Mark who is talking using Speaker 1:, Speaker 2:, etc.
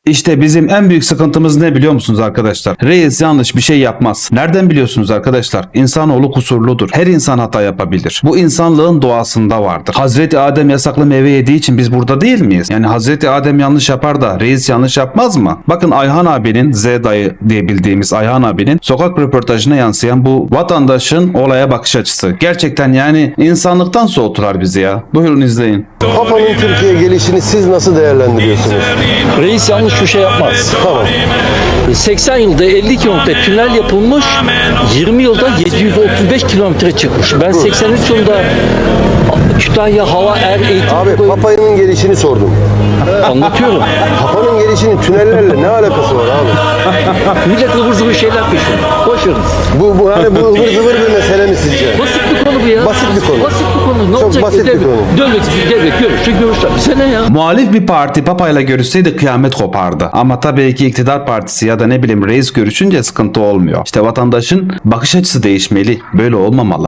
Speaker 1: İşte bizim en büyük sıkıntımız ne biliyor musunuz arkadaşlar? Reis yanlış bir şey yapmaz. Nereden biliyorsunuz arkadaşlar? İnsanoğlu kusurludur. Her insan hata yapabilir. Bu insanlığın doğasında vardır. Hazreti Adem yasaklı meyve yediği için biz burada değil miyiz? Yani Hazreti Adem yanlış yapar da reis yanlış yapmaz mı? Bakın Ayhan abinin, Z dayı diye bildiğimiz Ayhan abinin sokak röportajına yansıyan bu vatandaşın olaya bakış açısı. Gerçekten yani insanlıktan soğutular bizi ya. Buyurun izleyin.
Speaker 2: Papa'nın Türkiye'ye gelişini siz nasıl değerlendiriyorsunuz?
Speaker 3: Reis yanlış bir şey yapmaz.
Speaker 2: Tamam.
Speaker 3: 80 yılda 50 kilometre tünel yapılmış, 20 yılda 735 kilometre çıkmış. Ben 83 yılında Kütahya Hava Er Eğitim
Speaker 2: Abi Papa'nın gelişini sordum.
Speaker 3: anlatıyorum.
Speaker 2: Papa'nın gelişinin tünellerle ne alakası var abi?
Speaker 3: Millet ıvır zıvır şeyler peşinde. Boş verin.
Speaker 2: Bu hani bu ıvır zıvır bir mesele mi sizce?
Speaker 3: Basit bir konu bu ya.
Speaker 2: Basit bir konu.
Speaker 3: Basit bir konu. Ne
Speaker 2: Çok
Speaker 3: olacak?
Speaker 2: basit bir konu.
Speaker 3: Devlet görüşler. Bize ne ya?
Speaker 1: Muhalif bir parti papayla görüşseydi kıyamet kopardı. Ama tabii ki iktidar partisi ya da ne bileyim reis görüşünce sıkıntı olmuyor. İşte vatandaşın bakış açısı değişmeli. Böyle olmamalı.